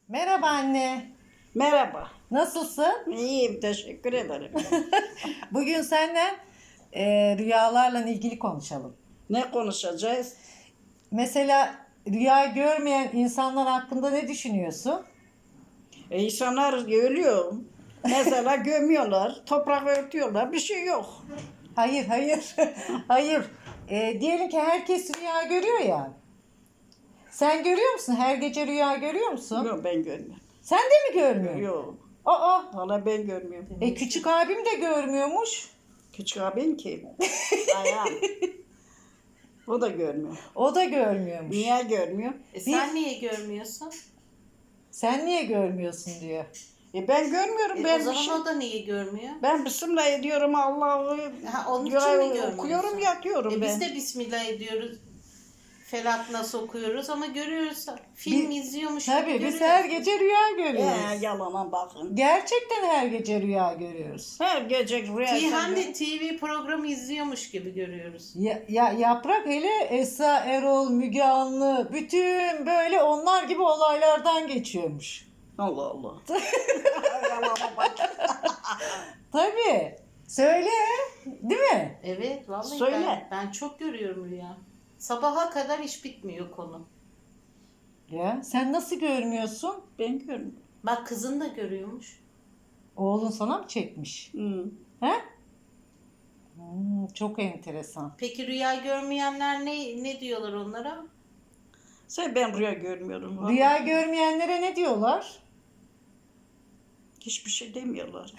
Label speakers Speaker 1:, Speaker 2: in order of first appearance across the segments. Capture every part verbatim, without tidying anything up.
Speaker 1: Merhaba anne.
Speaker 2: Merhaba.
Speaker 1: Nasılsın?
Speaker 2: İyiyim, teşekkür ederim.
Speaker 1: Bugün seninle e, rüyalarla ilgili konuşalım.
Speaker 2: Ne konuşacağız?
Speaker 1: Mesela rüya görmeyen insanlar hakkında ne düşünüyorsun?
Speaker 2: E, insanlar ölüyor. Mesela gömüyorlar, toprak örtüyorlar, bir şey yok.
Speaker 1: Hayır, hayır. Hayır. E, diyelim ki herkes rüya görüyor ya. Sen görüyor musun? Her gece rüya görüyor musun?
Speaker 2: Yok, ben görmüyorum.
Speaker 1: Sen de mi görmüyorsun?
Speaker 2: Yok,
Speaker 1: Aa,
Speaker 2: valla ben görmüyorum.
Speaker 1: e, küçük abim de görmüyormuş.
Speaker 2: Küçük abin kim? Ayağım. O da görmüyor.
Speaker 1: O da görmüyormuş.
Speaker 2: Niye görmüyor?
Speaker 3: E sen niye görmüyorsun?
Speaker 1: Sen niye görmüyorsun diyor.
Speaker 2: E ben görmüyorum.
Speaker 3: E
Speaker 2: ben
Speaker 3: o zaman
Speaker 2: bir şey...
Speaker 3: o da niye görmüyor?
Speaker 2: Ben Bismillah ediyorum Allah'ı.
Speaker 3: Ha, onun için
Speaker 2: dua
Speaker 3: mi görmüyorsun?
Speaker 2: okuyorum, yatıyorum
Speaker 3: E
Speaker 2: ben.
Speaker 3: biz de Bismillah ediyoruz. Felak nasıl okuyoruz ama görüyoruz. Film
Speaker 1: Bi-
Speaker 3: izliyormuş
Speaker 1: Tabii
Speaker 3: gibi
Speaker 1: biz
Speaker 3: görüyoruz.
Speaker 1: her gece rüya görüyoruz.
Speaker 2: He, yalana bakın.
Speaker 1: Gerçekten her gece rüya görüyoruz.
Speaker 2: Her gece rüya.
Speaker 3: Ki hem de T V programı izliyormuş gibi görüyoruz.
Speaker 1: Ya, ya yaprak hele Esra Erol, Müge Anlı bütün böyle onlar gibi olaylardan geçiyormuş.
Speaker 2: Allah Allah. Yalana bak.
Speaker 1: Tabii. Söyle, değil mi?
Speaker 3: Evet vallahi
Speaker 2: Söyle.
Speaker 3: ben, ben çok görüyorum rüya. Sabaha kadar iş bitmiyor konu.
Speaker 1: Ya sen nasıl görmüyorsun?
Speaker 2: Ben görmüyorum.
Speaker 3: Bak kızın da görüyormuş.
Speaker 1: Oğlun sana mı çekmiş?
Speaker 2: Hı.
Speaker 1: He? Hmm, çok enteresan.
Speaker 3: Peki rüya görmeyenler ne ne diyorlar onlara?
Speaker 2: Sen ben rüya görmüyorum. vallahi.
Speaker 1: Rüya görmeyenlere ne diyorlar?
Speaker 2: Hiçbir şey demiyorlar.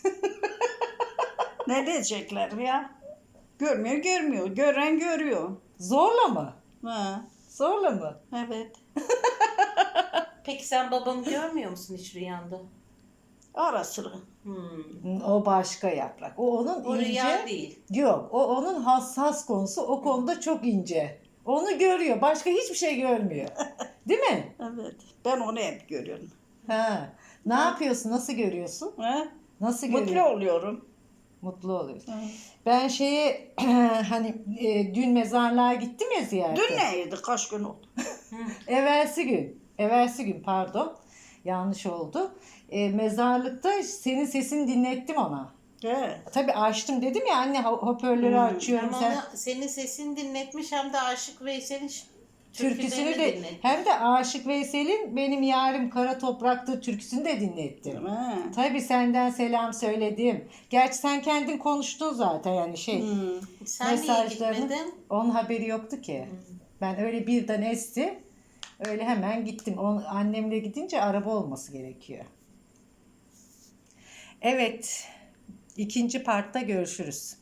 Speaker 2: Ne diyecekler ya? Görmüyor görmüyor. Gören görüyor.
Speaker 1: Zorla mı?
Speaker 2: Ha,
Speaker 1: Zorla mı?
Speaker 2: evet.
Speaker 3: Peki sen babamı görmüyor musun hiç rüyanda?
Speaker 2: Ara sıra.
Speaker 3: Hmm.
Speaker 1: O başka yaprak. O onun
Speaker 3: O
Speaker 1: ince.
Speaker 3: rüya değil.
Speaker 1: Yok, o onun hassas konusu. O konuda çok ince. Onu görüyor. Başka hiçbir şey görmüyor. Değil mi?
Speaker 2: Evet. Ben onu hep görüyorum.
Speaker 1: Ha. Ne yapıyorsun? Nasıl görüyorsun?
Speaker 2: Ha?
Speaker 1: Nasıl
Speaker 2: Mutlu
Speaker 1: görüyorsun?
Speaker 2: oluyorum.
Speaker 1: Mutlu oluyorsun.
Speaker 2: Ha.
Speaker 1: Ben şeye hani e, dün mezarlığa gittim ya ziyarete.
Speaker 2: Dün neydi? Kaç gün oldu?
Speaker 1: Evvelsi gün. Evvelsi gün pardon. Yanlış oldu. E, mezarlıkta senin sesini dinlettim ona.
Speaker 2: He.
Speaker 1: Tabii açtım dedim ya anne ho- hoparlörü
Speaker 2: Hmm.
Speaker 1: açıyorum.
Speaker 3: Hem
Speaker 1: Sen...
Speaker 3: ona senin sesini dinletmiş hem de Aşık Veysel'in ş-
Speaker 1: Türküsünü
Speaker 3: türkülerini
Speaker 1: de
Speaker 3: dinletmiş.
Speaker 1: hem de Aşık Veysel'in Benim Yarim Kara Toprak'tır türküsünü de dinlettim.
Speaker 2: Ha.
Speaker 1: Tabii senden selam söyledim. Gerçi sen kendin konuştun zaten yani şey.
Speaker 2: Hmm.
Speaker 3: Sen niye
Speaker 1: mesajlarını-
Speaker 3: gitmedin?
Speaker 1: Onun haberi yoktu ki. Ben öyle birden esti. Öyle hemen gittim. On, annemle gidince araba olması gerekiyor. Evet. İkinci partta görüşürüz.